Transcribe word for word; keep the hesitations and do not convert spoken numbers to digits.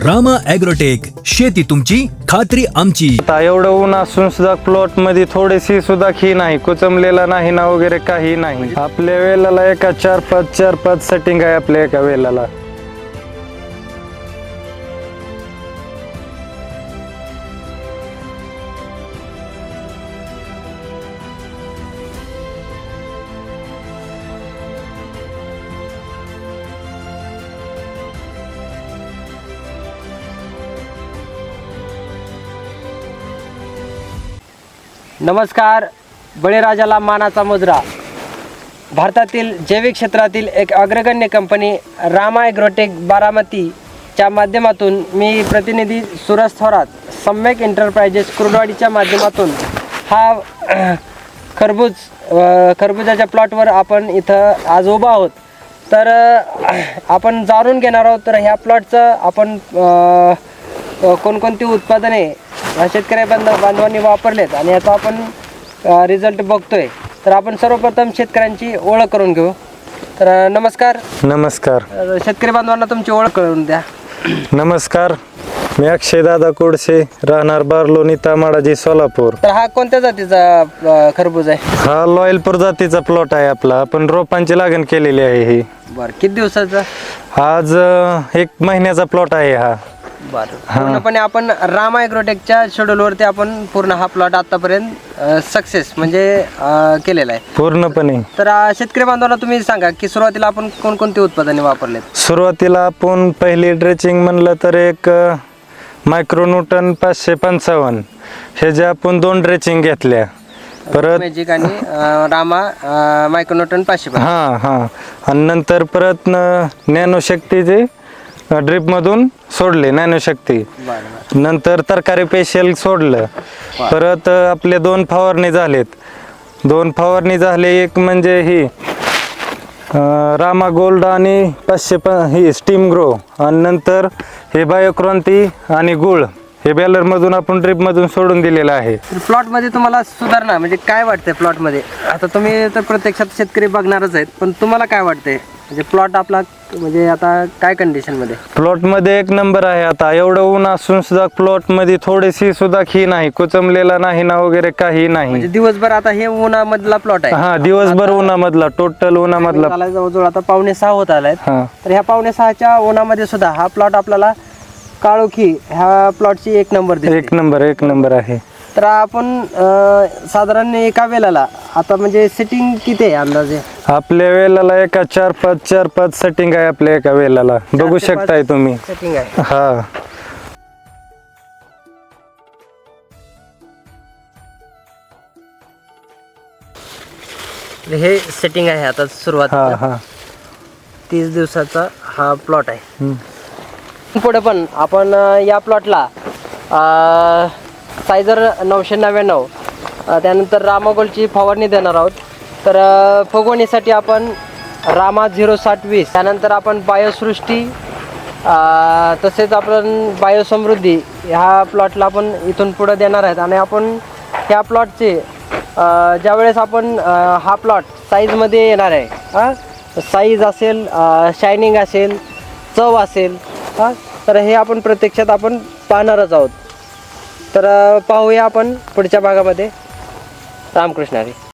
Rama agrotech, शेती तुमची खात्री आमची. आता एवढं ऊन असून सुद्धा प्लॉट मध्ये थोडीशी सुद्धा खी नाही, कुचमलेला नाही ना वगैरे काही नाही. आपल्या वेलाला एका चार पाच चार पाच सेटिंग आहे आपल्या एका वेलाला. नमस्कार. बळीराजाला मानाचा मुजरा. भारतातील जैविक क्षेत्रातील एक अग्रगण्य कंपनी रामा ॲग्रोटेक बारामतीच्या माध्यमातून मी प्रतिनिधी सुरज थोरात, सम्यक एंटरप्राइजेस कुर्डवाडीच्या माध्यमातून हा खरबूज खरबुजाच्या प्लॉटवर आपण इथं आज उभा आहोत. तर आपण जाणून घेणार आहोत तर ह्या प्लॉटचं आपण कोणकोणती उत्पादने शेतकरी बांधव बांधवांनी वापरलेत आणि याचा आपण रिझल्ट बघतोय. तर आपण सर्वप्रथम शेतकऱ्यांची ओळख करून घेऊ. तर नमस्कार. नमस्कार. शेतकरी बांधवांना तुमची ओळख करून द्या. नमस्कार, मी अक्षय दादा कोडसे, राहणार बारलोणी, तामाडाजी, सोलापूर. तर हा कोणत्या जातीचा खरबूज आहे? हा लॉयलपूर जातीचा प्लॉट आहे आपला. आपण रोपांची लागण केलेली आहे ही. बरं, किती दिवसाचा? आज एक महिन्याचा प्लॉट आहे हा. बरं, पूर्णपणे आपण रामा ॲग्रोटेकच्या शेड्यूलवरती आपण पूर्ण हा प्लॉट आतापर्यंत सक्सेस म्हणजे केलेला आहे पूर्णपणे. तर शेतकरी बांधवांना तुम्ही सांगा की सुरुवातीला आपण कोणकोणती उत्पादने वापरलेत? सुरुवातीला आपण पहिली ड्रेचिंग म्हणलं तर एक मायक्रोन्यूटन पाचशे पंचावन्न हे जे आपण दोन ड्रेचिंग घेतल्या. परत मॅजिक आणि रामा मायक्रोन्यूटन पाचशे. हां हां आणि नंतर परत नॅनो शक्तीचे ड्रिप मधून सोडले नॅनो शक्ती. नंतर तरकारी पेशल सोडलं. परत आपले दोन फवारणी झालेत. दोन फवारणी झाले, एक म्हणजे ही रामा गोल्ड आणि पाचशे प ही स्टीम ग्रो, आणि नंतर हे बायोक्रांती आणि गुळ हे बॅलर मधून आपण ड्रिप मधून सोडून दिलेलं आहे. प्लॉट मध्ये तुम्हाला सुधारणा म्हणजे काय वाटतंय प्लॉट मध्ये? आता तुम्ही तर प्रत्यक्षात शेतकरी बघणारच आहेत, पण तुम्हाला काय वाटतंय म्हणजे प्लॉट आपला म्हणजे आता काय कंडिशन मध्ये? प्लॉट मध्ये एक नंबर आहे. आता एवढं ऊन असून सुद्धा प्लॉट मध्ये थोडीशी सुद्धा खी नाही, कुचमलेला नाही ना वगैरे काही नाही. म्हणजे दिवसभर आता हे उन्हामधला प्लॉट आहे. हा, दिवसभर उन्हामधला, टोटल उन्हामधला. जवळजवळ आता पावणे सहा होत आलाय. तर ह्या पावणे सहाच्या उन्हामध्ये सुद्धा हा प्लॉट आपल्याला काळोखी ह्या प्लॉटची एक नंबर दिसते. एक नंबर एक नंबर आहे. तर आपण साधारण एका वेळेला आता म्हणजे सेटिंग किती आहे अंदाजे? आपल्या वेलाला एका चार पाच चार पाच सेटिंग आहे आपल्या एका वेलाला, बघू शकताय तुम्ही. सेटिंग आहे. हा, हे सेटिंग आहे आता सुरुवात. हा हा तीस दिवसाचा हा प्लॉट आहे. पुढे पण आपण या प्लॉटला सायझर नऊशे नव्याण्णव त्यानंतर रामा गोल्डची फवारणी देणार आहोत. तर फुगवणीसाठी आपण रामा झिरो साठ वीस, त्यानंतर आपण बायोसृष्टी तसेच आपण बायोसमृद्धी ह्या प्लॉटला आपण इथून पुढे देणार आहेत. आणि आपण ह्या प्लॉटचे ज्यावेळेस आपण हा प्लॉट साईजमध्ये येणार आहे, हां साईज असेल, शायनिंग असेल, चव असेल, हां तर हे आपण प्रत्यक्षात आपण पाहणारच आहोत. तर पाहूया आपण पुढच्या भागामध्ये. रामकृष्ण हरी.